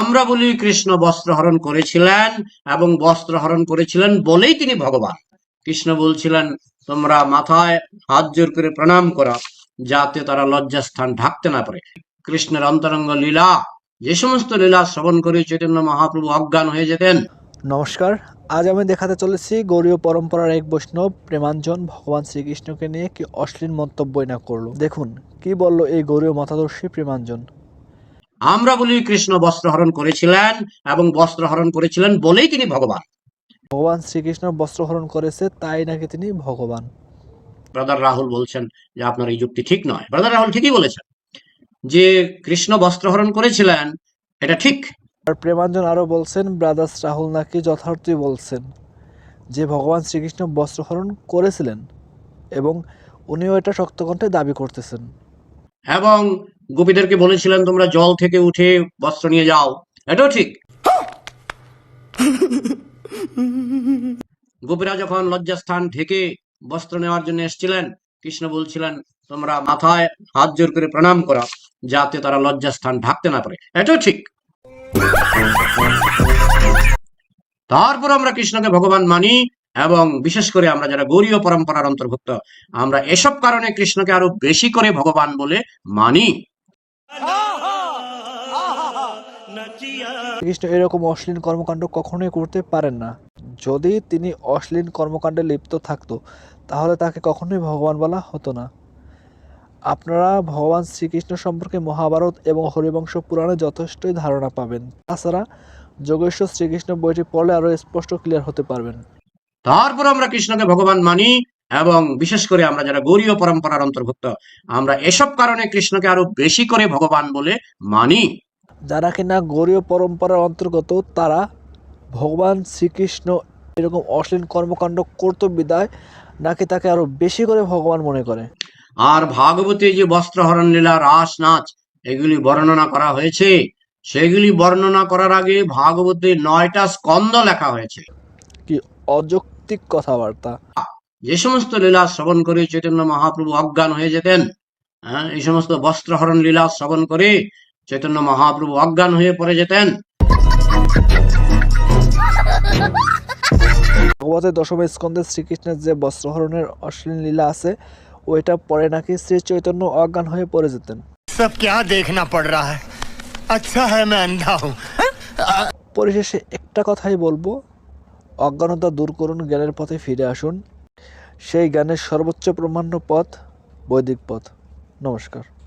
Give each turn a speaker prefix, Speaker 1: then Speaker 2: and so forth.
Speaker 1: আমরা বলি কৃষ্ণ বস্ত্র হরণ করেছিলেন এবং বস্ত্র হরণ করেছিলেন বলেই তিনি ভগবান। কৃষ্ণ বলছিলেন তোমরা মাথায় হাত জোর করে প্রণাম করো যাতে তারা লজ্জাস্থান ঢাকতে না পারে। কৃষ্ণের অন্তরঙ্গ লীলা, যে সমস্ত লীলা শ্রবণ করে চৈতন্য মহাপ্রভু অজ্ঞান হয়ে যেতেন।
Speaker 2: নমস্কার, আজ আমি দেখাতে চলেছি গৌড়ীয় পরম্পরার এক বৈষ্ণব প্রেমাঞ্জন ভগবান শ্রীকৃষ্ণকে নিয়ে কি অশ্লীল মন্তব্যই না করলো। দেখুন কি বলল এই গৌড়ীয় মতাদর্শী প্রেমাঞ্জন।
Speaker 1: আমরা বলি কৃষ্ণ বস্ত্র হরণ করেছিলেন এবং বস্ত্র হরণ করেছিলেন বলেই তিনি ভগবান।
Speaker 2: ভগবান শ্রীকৃষ্ণ বস্ত্রহরণ করেছে তাই নাকি তিনি ভগবান।
Speaker 1: ব্রাদার রাহুল বলছেন যে আপনার এই যুক্তি ঠিক নয়। ব্রাদার রাহুল ঠিকই বলেছেন যে কৃষ্ণ বস্ত্র হরণ করেছিলেন, এটা ঠিক।
Speaker 2: আর প্রেমাঞ্জন আরো বলছেন ব্রাদার্স রাহুল নাকি যথার্থই বলছেন যে ভগবান শ্রীকৃষ্ণ বস্ত্রহরণ করেছিলেন এবং উনিও এটা শক্ত কণ্ঠে দাবি করতেছেন।
Speaker 1: এবং গোপীদেরকে বলেছিলেন তোমরা জল থেকে উঠে বস্ত্র নিয়ে যাও, এটাও ঠিক। গোপীরা যখন লজ্জাস্থান ঢেকে বস্ত্র নেওয়ার জন্য এসেছিলেন, কৃষ্ণ বলছিলেন তোমরা মাথায় হাত জোর করে প্রণাম করো যাতে তারা লজ্জাস্থান ঢাকতে না পারে, এটাও ঠিক। তারপর আমরা কৃষ্ণকে ভগবান মানি এবং বিশেষ করে আমরা যারা গৌড়ীয় পরম্পরার অন্তর্ভুক্ত, আমরা এসব কারণে কৃষ্ণকে আরো বেশি করে ভগবান বলে মানি।
Speaker 2: কৃষ্ণ এরকম অশ্লীল কর্মকাণ্ড কখনোই করতে পারেন না। যদি তিনি অশ্লীল কর্মকাণ্ডে লিপ্ত থাকতো তাহলে তাকে কখনোই ভগবান বলা হতো না। আপনারা ভগবান শ্রীকৃষ্ণ সম্পর্কে মহাভারত এবং হরিবংশ পুরাণে যথেষ্টই ধারণা পাবেন। তাছাড়া যোগেশ্বর শ্রীকৃষ্ণ বইটি পড়লে আরো স্পষ্ট ক্লিয়ার হতে পারবেন।
Speaker 1: তারপর আমরা কৃষ্ণকে ভগবান মানি এবং বিশেষ করে আমরা যারা গৌড়ীয় পরম্পরার অন্তর্ভুক্ত, আমরা এসব কারণে কৃষ্ণকে আরো বেশি করে ভগবান বলে মানি।
Speaker 2: যারা কিনা গৌড়ীয় পরম্পরার অন্তর্গত তারা ভগবান শ্রীকৃষ্ণ এরকম অশ্লীল কর্মকাণ্ড করত বিদায় নাকি তাকে আরো বেশি করে ভগবান মনে করে।
Speaker 1: আর ভাগবতে যে বস্ত্রহরণ লীলা, রাস নাচ এগুলি বর্ণনা করা হয়েছে, সেগুলি বর্ণনা করার আগে ভাগবতে 9টা স্কন্ধ লেখা হয়েছে।
Speaker 2: কি অযৌক্তিক কথাবার্তা।
Speaker 1: যে সমস্ত লীলা শ্রবণ করে চৈতন্য মহাপ্রভু অজ্ঞান হয়ে যেতেন, এই সমস্ত বস্ত্রহরণ লীলা শ্রবণ করে চৈতন্য মহাপ্রভু অজ্ঞান হয়ে পড়ে যেতেন।
Speaker 2: ভগবতের দশম স্কন্ধে শ্রীকৃষ্ণের যে বস্ত্রহরণের অশ্লীল লীলা আছে ওইটা পরে নাকি শ্রী চৈতন্য অজ্ঞান হয়ে পড়ে যেতেন।
Speaker 3: সব क्या देखना पड़ रहा है, अच्छा है मैं अंधा हूं।
Speaker 2: পরিশেষে একটা কথাই বলবো, অজ্ঞানতা দূর করুন, জ্ঞানের পথে ফিরে আসুন। সেই জ্ঞানের সর্বোচ্চ প্রমাণ্য পথ বৈদিক পথ। নমস্কার।